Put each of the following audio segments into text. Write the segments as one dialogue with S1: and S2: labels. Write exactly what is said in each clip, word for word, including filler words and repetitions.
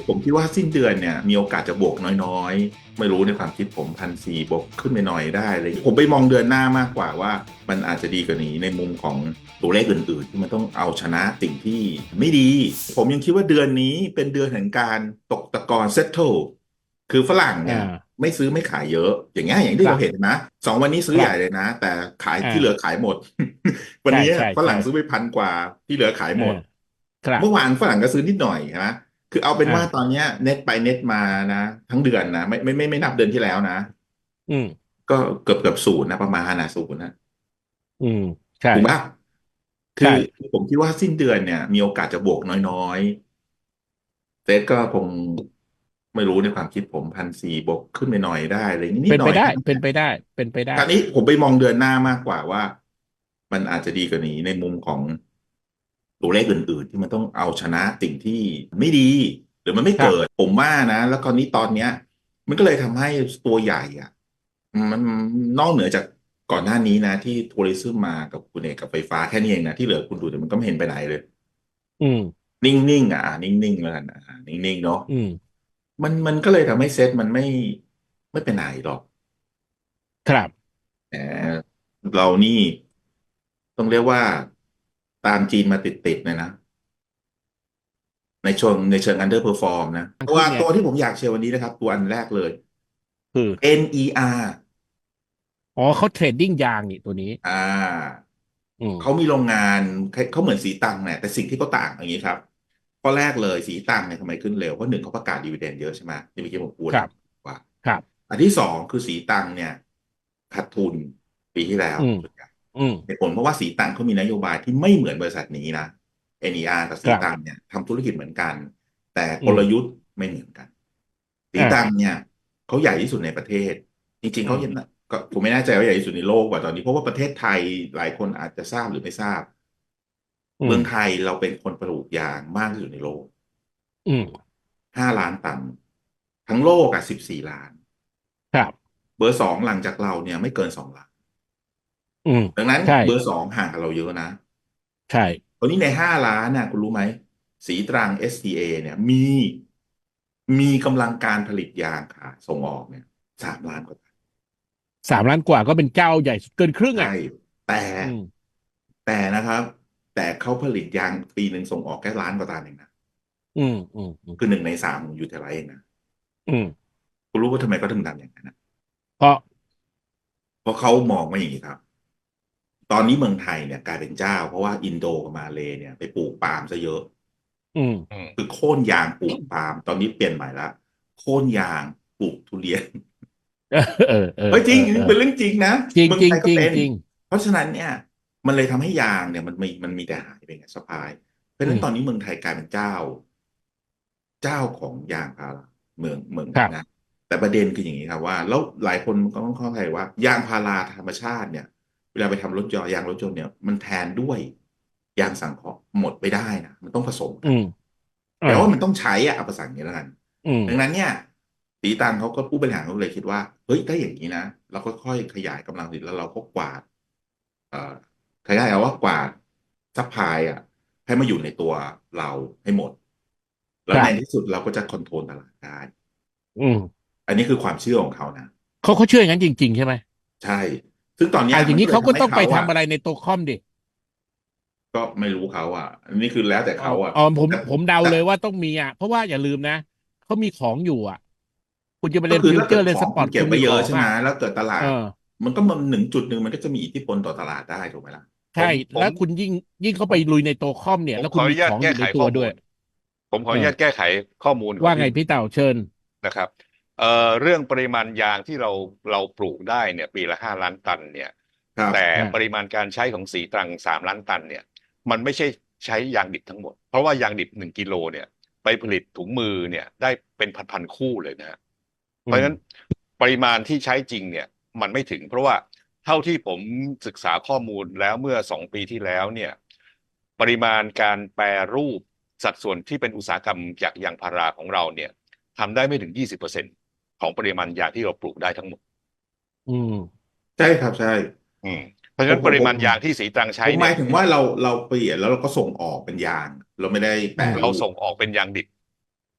S1: ผมคิดว่าสิ้นเดือนเนี่ยมีโอกาสจะบวกน้อยๆไม่รู้ในความคิดผมพันสี่บวกขึ้นไปหน่อยได้เลยผมไปมองเดือนหน้ามากกว่าว่ามันอาจจะดีกว่านี้ในมุมของตัวเลขอื่นๆที่มันต้องเอาชนะสิ่งที่ไม่ดีผมยังคิดว่าเดือนนี้เป็นเดือนแห่งการตกตะกอนเซตเทิลคือฝรั่ง
S2: อ่
S1: เนี่ย
S2: า
S1: ไม่ซื้อไม่ขายเยอะอย่างเงี้ยอย่าง
S2: ค
S1: ที่
S2: รับ
S1: เราเห็นนะสองวันนี้ซื้อใหญ่เลย
S2: ครับ
S1: นะแต่ขายที่เหลือ
S2: อ่า
S1: ขายหมดวัน
S2: ใช่
S1: นี้
S2: ใช่ใช่
S1: ฝรั่งซื้อไปพันกว่าที่เหลือขายห
S2: อ่า
S1: มด
S2: ครับ
S1: เมื่อวานฝรั่งก็ซื้อนิดหน่อยนะ คือเอาเป็นว่าตอน
S2: อ่า
S1: เนี้ยเน็ตไปเน็ตมานะทั้งเดือนนะไม่ไม่ไม่ไม่นับเดือนที่แล้วนะ
S2: อืม
S1: ก็เกือบเกือบศูนย์นะประมาณนะศูนย์นะ
S2: อืมใช่
S1: ถูกปะคือ
S2: ใช่
S1: ผมคิดว่าสิ้นเดือนเนี่ยมีโอกาสจะบวกน้อยๆเซตก็คงไม่รู้ในความคิดผมพันสี่บวกขึ้นไปหน่อยได้เลยนิด
S2: เป็นไปได้
S1: หน่อยแค่นั้นแหละ
S2: เป็นไปได้เป็นไปได้
S1: คราวนี้ผมไปมองเดือนหน้ามากกว่าว่ามันอาจจะดีกว่านี้ในมุมของตัวเลขอื่นๆที่มันต้องเอาชนะสิ่งที่ไม่ดีหรือมันไม่เกิด
S2: ครับ
S1: ผมว่านะแล้วคราวนี้ตอนเนี้ยมันก็เลยทำให้ตัวใหญ่อ่ะมันนอกเหนือจากก่อนหน้านี้นะที่ทัวริซึมมากับคุณเอกกับไฟฟ้าแค่นี้เองนะที่เหลือคุณดูแต่มันก็ไม่เห็นไปไหนเลย
S2: อืม
S1: นิ่งๆอ่ะอ่ะนิ่งๆแล้วกันอ่ะนิ่งๆเนาะ
S2: อืม
S1: มันมันก็เลยทำให้เซ็ตมันไม่ไม่ไปไหนหรอก
S2: ครับ
S1: แหมเรานี่ต้องเรียกว่าตามจีนมาติดๆเลยนะ ในเชิงในเชิง underperform นะตัว
S2: ขึ้นไง
S1: ตัวที่ผมอยากเชียร์วันนี้นะครับตัวอันแรกเลย
S2: คือ
S1: เอ็น อี อาร์
S2: อ๋อเขาเทรดดิ้งยางนี่ตัวนี้
S1: อ่า
S2: อืม
S1: เขามีโรงงานเขาเหมือนสีตังเนี่ยแต่สิ่งที่เขาต่างอย่างนี้ครับข้อแรกเลยสีตังเนี่ยทำไมขึ้นเร็วเพราะหนึ่งเขาประกาศดีเวเดนเยอะใช่ไหมที่เมื่อกี้ผมพูด
S2: ครับ
S1: ว่า
S2: ครับ
S1: อันที่สองคือสีตังเนี่ยขาดทุนปีที่แล้ว
S2: อืม
S1: ส่วนใหญ่
S2: อืม
S1: เหตุผลเพราะว่าสีตังเขามีนโยบายที่ไม่เหมือนบริษัทนี้นะ เอ็น อี อาร์ กับ
S2: ค
S1: สีตัง
S2: รับ
S1: เนี่ยทำธุรกิจเหมือนกันแต่
S2: อืม
S1: กลยุทธ์ไม่เหมือนกัน สี
S2: อ่า
S1: ตังเนี่ยเขาใหญ่ที่สุดในประเทศจริงๆเขา
S2: อืม
S1: ก็ผมไม่แน่ใจว่าใหญ่ที่สุดในโลกกว่าตอนนี้เพราะว่าประเทศไทยหลายคนอาจจะทราบหรือไม่ทราบ
S2: อืม
S1: เมืองไทยเราเป็นคนปลูกยางมากที่สุดในโลก
S2: อืม
S1: ห้าล้านตันทั้งโลกอ่ะสิบสี่ล้าน
S2: ครับ
S1: เบอร์สองหลังจากเราเนี่ยไม่เกินสองล้าน
S2: อืม
S1: ดังนั้น
S2: ใช่
S1: เบอร์สองห่างกับเราเยอะนะ
S2: ใช่
S1: ตอนนี้ในห้าล้านน่ะคุณรู้ไหมสีตรัง เอส ที เอ เนี่ยมีมีกำลังการผลิตยางขายส่งออกเนี่ยสามล้านกว่าตัน
S2: สามล้านกว่าก็เป็นเจ้าใหญ่สุดเกินครึ่ง
S1: ใช่
S2: อ่ะ
S1: แต่
S2: อืม
S1: แต่นะครับแต่เขาผลิตยางปีหนึ่งส่งออกแค่ล้านกว่าตันเองนะ
S2: อืมอืมอืม
S1: คือหนึ่งในสามของยูเทไลเองนะ
S2: อืม
S1: คุณรู้ว่าทำไมเขาถึงทำอย่างนั้นนะ
S2: เพราะ
S1: เพราะเขามองว่าอย่างนี้ครับตอนนี้เมืองไทยเนี่ยกลายเป็นเจ้าเพราะว่าอินโดกับมาเลย์เนี่ยไปปลูกปาล์มซะเยอะ
S2: อืม
S1: อืมคือโค่นยางปลูกปาล์มตอนนี้เปลี่ยนใหม่ละโค่นยางปลูกทุเรียน
S2: เออเออเออ
S1: เฮ้ยจริง
S2: เออเออ
S1: เป็นเรื่องจริงนะเมือง
S2: จริงจริง
S1: ไทยก็เป็น
S2: จริงจริง
S1: เพราะฉะนั้นเนี่ยมันเลยทำให้ยางเนี่ยมันมีมันมีแต่หายไปไงสปายเพราะฉะ
S2: อืม
S1: นั้นตอนนี้เมืองไทยกลายเป็นเจ้า เจ้าของยางพาราเมืองเมืองนะ
S2: ครับ
S1: แต่ประเด็นคืออย่างนี้ครับว่าแล้วหลายคนก็ต้องเข้าใจว่ายางพาราธรรมชาติเนี่ยเวลาไปทำรถยนต์ยางรถยนต์เนี่ยมันแทนด้วยยางสังเคราะห์หมดไปได้นะมันต้องผสมกัน
S2: อืมอ่า
S1: แปลว่ามันต้องใช้อะเอาภาษาอย่างนี้แล้วกัน
S2: อืม
S1: ดังนั้นเนี่ยตีตังเขาก็ผู้บริหารเขาเลยคิดว่าเฮ้ยถ้าอย่างนี้นะเราก็ค่อยขยายกำลังผลิตแล้วเราก็กวาดเอ่อขยายเอาว่ากวาดซัพพลายอ่ะให้มาอยู่ในตัวเราให้หมด แล้
S2: ครับ
S1: วในที่สุดเราก็จะคอนโทรลตลาดได้
S2: อืม
S1: อันนี้คือความเชื่อของเขานะ
S2: เขาเขาเชื่ออย่างนั้นจริงๆใช่ไหม
S1: ใช่ซึ่งตอนเนี้ย
S2: อ่าอย่างนี้
S1: มันก็เลยทำให้
S2: เขาก็ต้องไป
S1: เขาอ่ะ
S2: ทำอะไรในตัวคอมดิ
S1: ก็ไม่รู้เขาอ่ะอันนี้คือแล้วแต่
S2: อ๋อ
S1: เขาอ่ะ
S2: อ๋อผม
S1: แต่
S2: ผมเดา
S1: แต่
S2: เลยว่าต้องมีอ่ะเพราะว่าอย่าลืมนะเขามีของอยู่อ่ะคุณจะไป
S1: ก็
S2: เล่นฟิว
S1: คือถ้าเกิด
S2: เจอร์เล่นส
S1: ของคุณเก็บ
S2: ปอร์ตคุณมี
S1: ไว้เยอะใช่ไหม
S2: ของอ่ะ
S1: แล้วเกิดตลา
S2: เออ
S1: ดมันก็มันหนึ่งจุดหนึ่งมันก็จะมีอิทธิพลต่อตลาดได้ถูกไหมล่ะผ
S2: ใช่
S1: มผม
S2: แล้วคุณยิ่งยิ่งเข้า
S1: ผม
S2: ไปลุยในตัวคอมเนี่ย
S3: ผม
S2: แล้วคุณ
S3: ขออนุญาต
S2: มีของอยู่ใน
S3: แก้ไข
S2: ตัวด้วย
S3: ข้อมูลผมขอ
S2: เออ
S3: อนุญาตแก้ไขข้อมูลก่อนที่
S2: ว่าไงพี่เต่าเชิญ
S3: นะครับเอ่อเรื่องปริมาณยางที่เราเราปลูกได้เนี่ยปีละห้าล้านตันเนี่ย
S1: ครับ
S3: แต่
S2: อ่า
S3: ปริมาณการใช้ของสีตรังสามล้านตันเนี่ยมันไม่ใช่ใช้ยางดิบทั้งหมดเพราะว่ายางดิบหนึ่งกิโลเนี่ยไปผลิตถุงมือเนี่ยได้เป็นพันๆคู่เลยนะฮะเพ
S2: อืม
S3: ราะฉะนั้นปริมาณที่ใช้จริงเนี่ยมันไม่ถึงเพราะว่าเท่าที่ผมศึกษาข้อมูลแล้วเมื่อสองปีที่แล้วเนี่ยปริมาณการแปรรูปสัดส่วนที่เป็นอุตสาหกรรมจากยางพาราของเราเนี่ย ทำได้ไม่ถึงยี่สิบเปอร์เซ็นต์ของปริมาณยางที่เราปลูกได้ทั้งหมด
S2: อืม
S1: ใช่ครับใช่
S3: อืมเพราะฉะนั้นปริ
S1: ผมผมผม
S3: มาณยางที่สีตรังใช้เนี่ย
S1: ผมหมายถึงว่าเราเราเปลี่ยนแล้วเราก็ส่งออกเป็นยางเราไม่ได้แปร
S2: อืม
S3: เรา
S1: รูป
S3: ส่งออกเป็นยางดิบ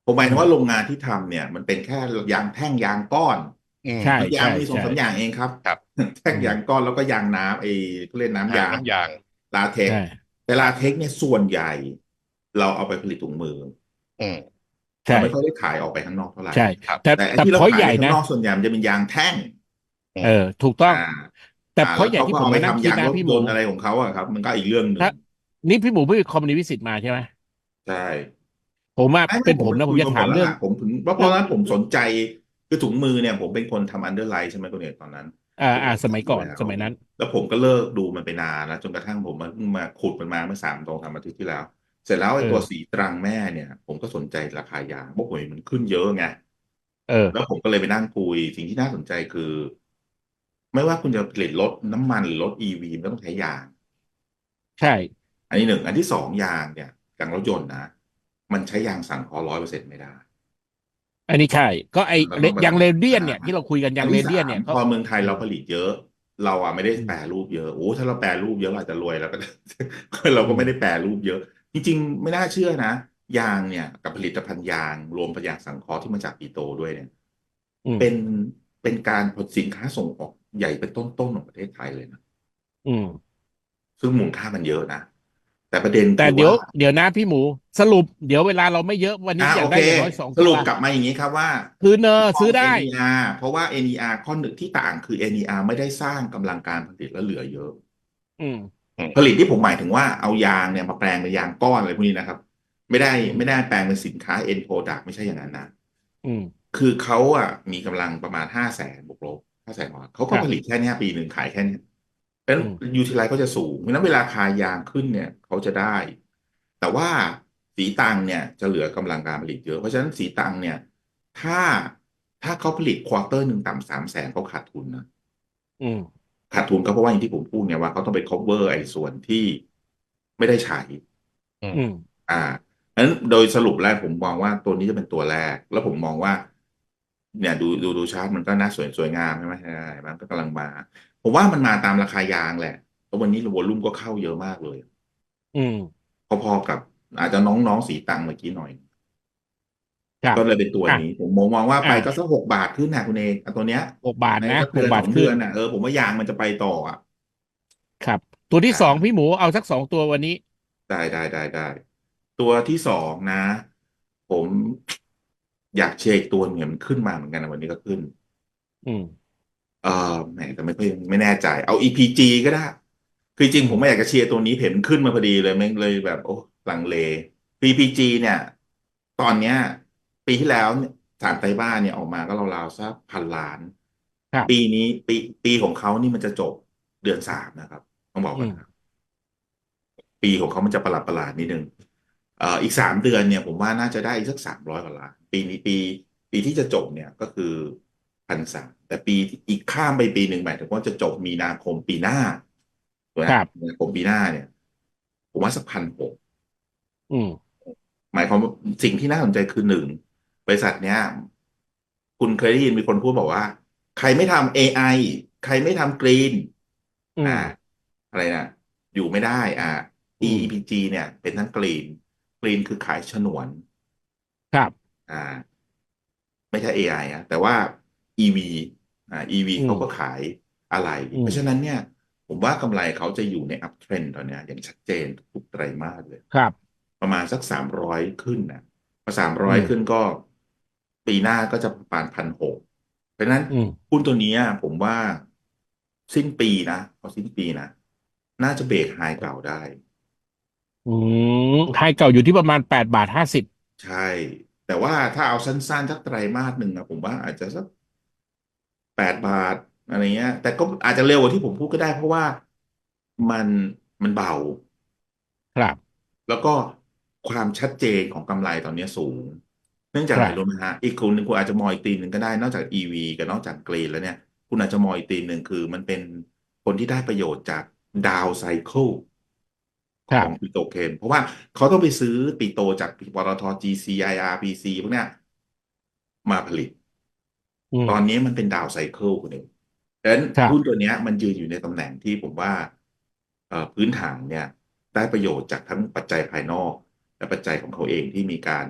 S1: ผมหมาย
S2: อืม
S1: ถึงว่าโรงงานที่ทำเนี่ยมันเป็นแค่ยางแท่งยางก้อน
S3: อืม
S2: ใช่
S1: มันยาง
S2: ใช่
S1: มีสอง
S2: ใช่
S1: สามอย่างเองครับ
S3: ครับ
S1: แท่ง
S2: อืม
S1: ยางก้อนแล้วก็ยางน้ำไอ้เขาเรียกน้ำ
S3: อ่า
S1: ยาง
S3: น้ำยาง
S1: ลาเท็ก
S2: ใช่
S1: ซ์แต่
S3: ครับ
S1: ลาเท็กซ์เนี่ยส่วนใหญ่เราเอาไปผลิตถุงมือ
S3: อืม
S2: ใช่
S1: เราไม่ค่อยได้ขายออกไปข้างนอกเท่าไหร่
S2: ใช่
S3: ครับ
S2: แต่
S1: แต่ไอ้
S2: แต่พ
S1: ที่เราขายไป
S2: อยใหญ่นะ
S1: ข้างนอกส่วนใหญ่มันจะเป็นยางแท่ง
S3: อื
S2: เออ
S3: ม
S2: ถูกต้อง
S1: อ่า
S2: แต่
S1: อ่า
S2: พอยใหญ่
S1: แล้วเขาก็
S2: ที่ผมมานั่ง
S1: เอาไปทำยาง
S2: คิดนะพี่หมู
S1: รถยนต์อะไรของเขาอะครับมันก็อีกเรื่องหนึ่ง
S2: ถ้านี่พี่หมูเพิ่งคอมมิวนิวิสิตมาใช่ไหม
S1: ใช่
S2: ผมว่า
S1: ไม่ไม่
S2: เป็นผมนะผม
S1: ผมไปคุย
S2: จะถามเรื่อง
S1: มาหมดแล้วล่ะผมถึงว่าเพ
S2: เรื่อง
S1: ราะนั้นผมสนใจคือถุงมือเนี่ยผมเป็นคนทำอันเดอร์ไลท์ใช่ไหมคุณเอกตอนนั้น
S2: อ่า
S1: ผมก็
S2: อ่าสมัยก่อน
S1: ทำอยู่แล้ว
S2: สมัยนั้น
S1: แล้วผมก็เลิกดูมันไปนานแล้วจนกระทั่งผมมาเพิ่งมาขุดมันมาเมื่อสามตรงสามอาทิตย์ที่แล้วเสร็จแล้ว
S2: เอ
S1: ไอ้ตัวสี
S2: อ
S1: ตรังแม่เนี่ยผมก็สนใจราคายางเพราะผมเห็นมันขึ้นเยอะไง
S2: เออ
S1: แล้วผมก็เลยไปนั่งคุยสิ่งที่น่าสนใจคือไม่ว่าคุณจะผลิตรถน้ำมันหรือรถอีวีมันก็ต้องใช้ยาง
S2: ใช่
S1: อันนี้หนึ่งอันที่สองยางเนี่ยยางรถยนต์นะมันใช้ยางสังเคราะห์ร้อยเปอร์เซ็นต์ไม่ได้
S2: อันนี้ใช่ก็ไอ
S1: เราต้องไป
S2: ยังเรเดี
S1: ทำอ่า
S2: ยนเนี่ยที่เราคุยกันยังเร
S1: อันที่สา
S2: เดียนเนี่ยเขา
S1: มพอเมืองไทย
S2: เออ
S1: เราผลิตเยอะเราอ่ะไม่ได้
S2: อืม
S1: แปรรูปเยอะโอ้ถ้าเราแปรรูปเยอะเราอาจจะรวยแล้วก็เรา
S2: อืม
S1: ก็ไม่ได้แปรรูปเยอะจริงๆไม่น่าเชื่อนะยางเนี่ยกับผลิตภัณฑ์ยางรวมผลิตยางสังเคราะห์ที่มาจากปีโตด้วยเนี่ย
S2: อืม
S1: เป็นเป็นการผลิตสินค้าส่งออกใหญ่เป็นต้นๆของประเทศไทยเลยนะ
S2: อืม
S1: ซึ่งมูลค่ามันเยอะนะแต่ประเด็น
S2: แต่เดี๋ยว
S1: คือว่า
S2: เดี๋ยวนะพี่หมูสรุปเดี๋ยวเวลาเราไม่เยอะวันนี้อยาก
S1: อ่าโอเค
S2: ได้อย่างน้อยสองตัว
S1: สรุปกลับมาอย่างนี้ครับว่า
S2: คือเนอร์
S1: มอง
S2: ซื้อได้
S1: เอ็น อี อาร์ เพราะว่า เอ็น อี อาร์ ข้อหนึ่งที่ต่างคือ เอ็น อี อาร์ ไม่ได้สร้างกำลังการผลิตและเหลือเยอะ
S2: อืม
S3: อืม
S1: ผลิตที่ผมหมายถึงว่าเอายางเนี่ยมาแปลงเป็นยางก้อนอะไรพวกนี้นะครับไม่ได้
S2: อืม
S1: ไม่ได้แปลงเป็นสินค้า end product ไม่ใช่อย่างนั้นนะ
S2: อืม
S1: คือเขาอ่ะมีกำลังประมาณห้าแสนบวกลบห้าแสนเขาก็
S2: ครับ
S1: ผลิตแค่เนี้ยปีหนึ่งขายแค่เนี้ยเพราะฉะนั้น
S2: อืม
S1: ยูทิลไลซ์เขาจะสูงเพราะฉะนั้นเวลาคายางขึ้นเนี่ยเขาจะได้แต่ว่าสีตังเนี่ยจะเหลือกำลังการผลิตเยอะเพราะฉะนั้นสีตังเนี่ยถ้าถ้าเขาผลิตควอเตอร์หนึ่งต่ำสามแสนเขาขาดทุนนะ
S2: อืม
S1: ขาดทุนก็เพราะว่าอย่างที่ผมพูดเนี่ยว่าเขาต้องไป cover ไอ้ส่วนที่ไม่ได้ใช้
S3: อืม
S2: อืม
S1: อ่านั้นโดยสรุปแรกผมมองว่าตัวนี้จะเป็นตัวแรกแล้วผมมองว่าเนี่ยดูดูดูชาร์ตมันก็น่าสวยสวยงามใช่ไหมใช่มันก็กำลังมาผมว่ามันมาตามราคายางแหละเพราะวันนี้วอลลุ่มก็เข้าเยอะมากเลย
S2: อืม
S1: พอๆกับอาจจะน้องๆสีตังเมื่อกี้หน่อย
S2: ครับ
S1: ก็เลยเป็นตัว
S2: อ่ะ
S1: นี้ผมมองมองว่าไป
S2: อ่ะ
S1: ก็สักหกบาทขึ้นนะคุณเอกเอาตัวเนี้ย
S2: หกบาท
S1: ใน
S2: นะห
S1: สักเดือนสองเดื
S2: กบาทขึ้น
S1: อนน่ะเออผมว่ายางมันจะไปต่ออ่ะ
S2: ครับตัวที่สอง
S1: อ่า
S2: พี่หมูเอาสักสองตัววันนี้
S1: ได้ได้ได้ได้ตัวที่สองนะผมอยากเช็คตัวเหมือนขึ้นมาเหมือนกันนะวันนี้ก็ขึ้น
S2: อืม
S1: เออแหมแต่ไม่ค่อยไม่แน่ใจเอา อี พี จี ก็ได้คือจริง
S2: อืม
S1: ผมไม่อยากจะเชียร์ตัวนี้เห็นมันขึ้นมาพอดีเลยแม่งเลยแบบโอ้ลังเล อี พี จี เนี่ยตอนเนี้ยปีที่แล้วเนี่ยสารไตรมาสเนี่ยออกมาก็ราวๆสักพันล้านปี
S2: ครับ
S1: นี้ปีปีของเขานี่มันจะจบเดือนสามนะครับต้องบอก
S2: อืม
S1: ก่อนนะ ปีของเขามันจะประหลาดประหลาดนิดนึงเอ่ออีกสามเดือนเนี่ยผมว่าน่าจะได้อีกสักสามร้อยกว่าล้านปีนี้ปีปีที่จะจบเนี่ยก็คือพันสามแต่ปีอีกข้ามไปปีหนึ่งหมายถึงว่าจะจบมีนาคมปีหน้าถูกไหม
S2: ครับ
S1: มีนาคมปีหน้าเนี่ยผมว่าสักพันหก
S2: อืม
S1: หมายความว่าสิ่งที่น่าสนใจคือหนึ่งบริษัทเนี้ยคุณเคยได้ยินมีคนพูดบอกว่าใครไม่ทำ เอ ไอ ใครไม่ทำกรีนอ่า
S2: อืม
S1: อะไรนะอยู่ไม่ได้อ่า
S2: อืม
S1: อี พี จี เนี่ยเป็นทั้งกรีนกรีนคือขายฉนวน
S2: ครับ
S1: อ่าไม่ใช่ เอ ไอ อะแต่ว่า อี วี อ่า อี วี
S2: อืม
S1: เขาก็ขายอะไรเพ
S2: อืม
S1: ราะฉะนั้นเนี่ยผมว่ากำไรเขาจะอยู่ใน up trend ตอนเนี้ยอย่างชัดเจนทุกไตรมาสเลย
S2: ครับ
S1: ประมาณสักสามร้อยขึ้นนะพอสามร้อย
S2: อืม
S1: ขึ้นก็ปีหน้าก็จะประมาณพันหกเพราะฉะนั้น
S2: อืม
S1: หุ้นตัวเนี้ยผมว่าสิ้นปีนะพอสิ้นปีนะน่าจะเบรกไฮเก่าได้
S2: อืมไฮเก่าอยู่ที่ประมาณแปดบาทห้าสิบ
S1: ใช่แต่ว่าถ้าเอาสั้นๆสักไตรมาสหนึ่งอะผมว่าอาจจะสักแปดบาทอะไรเงี้ยแต่ก็อาจจะเร็วกว่าที่ผมพูดก็ได้เพราะว่ามันมันเบา
S2: ครับ
S1: แล้วก็ความชัดเจนของกำไรตอนนี้สูงเนื่องจากอะไรรู้ไหม
S2: ครับ
S1: ฮะอีกคนหนึ่งคุณอาจจะมองอีกตีมหนึ่งก็ได้นอกจาก อี วี กับนอกจากกรีนแล้วเนี่ยคุณอาจจะมองอีกตีมหนึ่งคือมันเป็นคนที่ได้ประโยชน์จากดาวไซเคิลของปิ
S2: ครับ
S1: โตรเคมเพราะว่าเขาต้องไปซื้อปิโตรจากปตท จี ซี ไอ อาร์ พี ซี พวกเนี้ยมาผลิต
S2: อืม
S1: ตอนนี้มันเป็นดาวไซเคิลคุณเองดังนั้น
S2: ครับ
S1: หุ้นตัวเนี้ยมันยืนอยู่ในตำแหน่งที่ผมว่าเอ่อพื้นฐานเนี่ยได้ประโยชน์จากทั้งปัจจัยภายนอกและปัจจัยของเขาเองที่มีการ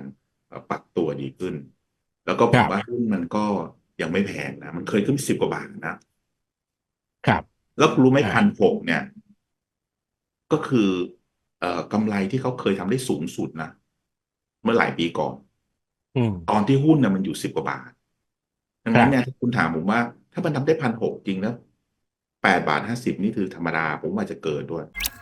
S1: เอ่อปรับตัวดีขึ้น แล้วก็ผ
S2: ครับ
S1: มว่าหุ้นมันก็ยังไม่แพงนะ มันเคยขึ้นสิบกว่าบาทนะ
S2: ครับ
S1: แล้วคุณรู้ไหม
S2: อ่า
S1: พันหกเนี่ย ก็คือเอ่อกำไรที่เขาเคยทำได้สูงสุดนะ เมื่อหลายปีก่อน
S2: อืม
S1: ตอนที่หุ้นเนี่ยมันอยู่สิบกว่าบาท ดังนั้นเนี่ย
S2: ครับ
S1: ถ้าคุณถามผมว่าถ้ามันทำได้พันหกจริงแล้วแปดบาทห้าสิบนี่คือธรรมดา ผมว่าจะเกินด้วย